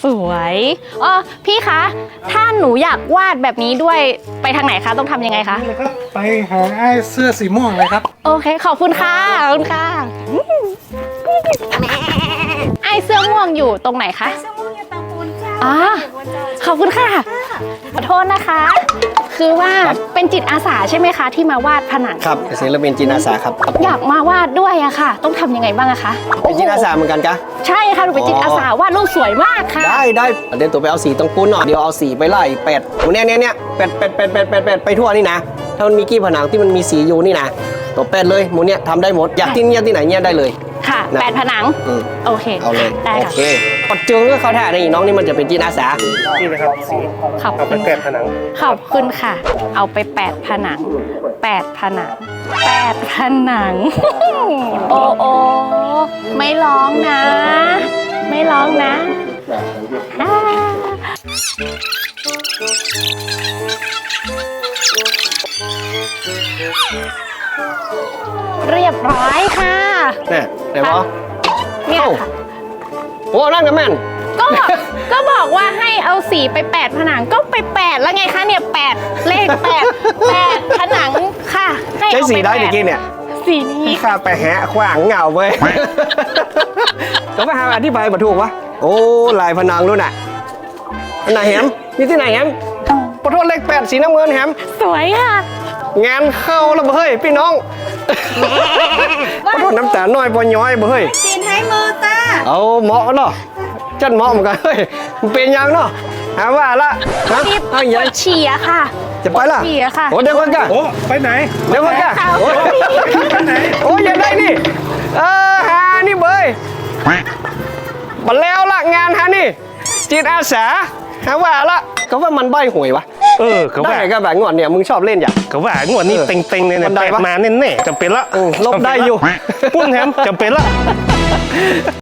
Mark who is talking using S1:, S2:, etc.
S1: สวยอ๋อพี่คะถ้าหนูอยากวาดแบบนี้ด้วยไปทางไหนคะต้องทำยังไงคะ
S2: นี่เลยครับไปหาไอ้เสื้อสีม่วงเลยครับ
S1: โอเคขอบคุณค่ะขอบคุณค่ะไอเสื้อม่วงอยู่ตรงไหนคะ
S3: เสื้อม่วงอยู่ตรงปูนเจ้า
S1: อ๋อ ขอบคุณค่ะขอโทษนะคะ คือว่าเป็นจิตอาสาใช่ไหมคะที่มาวาดผนัง
S4: ครับศิลปินจิตอาสาครับ
S1: อยากมาวาดด้วยอะค่ะ ต้องทำยังไงบ้างอะคะ
S4: เป็นจิตอาสาเหมือนกันกะ
S1: ใช่ค่ะหนูเป็นจิตอาสาวาดรูปสวยมากค่ะ
S4: ได้เดี๋ยวตัวไปเอาสีตรงปูนหน่อยเดี๋ยวเอาสีไปไล่เป็ดเนี่ยเป็ดไปทั่วนี่นะถ้ามันมีกี้ผนังที่มันมีสีอยู่นี่นะตัวเป็ดเลยหมูเนี่ยทำได้หมดอยากที่เนี่ยที่ไหนเนี่ยได้เลย
S1: ค่ะ
S4: นะ
S1: 8 ผนัง
S4: อืม
S1: โอเค
S4: เอาเลย
S1: ได้
S4: โอ
S1: ค่ะ
S4: เคปัดจึงก็เขาถ่ายนี่น้องนี่มันจะเป็นจิตอาสา
S2: นี่เลยครับสี
S1: ขอบ
S2: เอาไป
S1: คุณ
S2: แปะผนัง
S1: ขอบคุณค่ะ เอาไป8 ผนัง8 ผนัง8 ผนัง โอ้โอไม่ร้องนะ ไม่ร้องนะอ่าเรียบร้อยค่ะ
S4: เนี่ยไหนวะ
S1: เนี่ย
S4: เอ้า
S1: ค่ะ
S4: โอ้นั่นกับแม่น
S1: ก็บอกว่าให้เอาสีไป8 ผนังก็ไป8แล้วไงคะเนี่ย8เลข8ผนังค่ะให้
S4: ใช้
S1: เอา
S4: สี
S1: ไป
S4: ได้
S1: 8
S4: ตะกี้เนี่ย
S1: สีนี้
S4: ข้าไปแหะขวางเหงาเว้ย ก็ไปหาอธิบายมาถูกวะโอ้ลายผนังด้วยน่ะอันไหนแฮมนี่ที่ไหนแฮมปะโทษเลข8สีน้ำเงินแฮม
S1: สวยค่ะ
S4: งานเข้าแล้วเฮ้ยพี่น้อง ปะโทษน้ำตาน้อยปอย้อยเฮ้ย
S3: จีนให้มือตา
S4: เอาเหมาะเนาะจันเหมาะเหมือนกันเฮ้ยมันเป็นยังเนาะหาว่าละฮะ
S1: รีบ
S4: เอา
S1: ป
S4: อย่าว
S1: ดฉี่อะค่ะ
S4: จะไปละ
S1: ปวดฉี่อะค่ะ
S4: โอ้เดี๋ยวก่อนกะ
S2: โอ้ไปไหน
S4: เดี๋ยวก่อนกะ
S1: ค่ะ
S4: โอ้ย
S2: ไปไหน
S4: โอ้ยอย่าได้นี่หานี่เบยมาแล้วละงานฮะนี่จิตอาสาหาว่าละก็ว่ามันใบหวยวะ
S2: เขา
S4: ได้
S2: ว่า
S4: ก็แบบงอนเนี่ยมึงชอบเล่นอย่าง
S2: เขาว่างวดนี้เต็งๆเลย
S4: มั
S2: เนี่ย
S4: นได้
S2: แปด
S4: ปะ
S2: มาแน่ๆจำเป็นละ
S4: ลบได้อยู่
S2: ปุ้นแฮมจำเป็นละ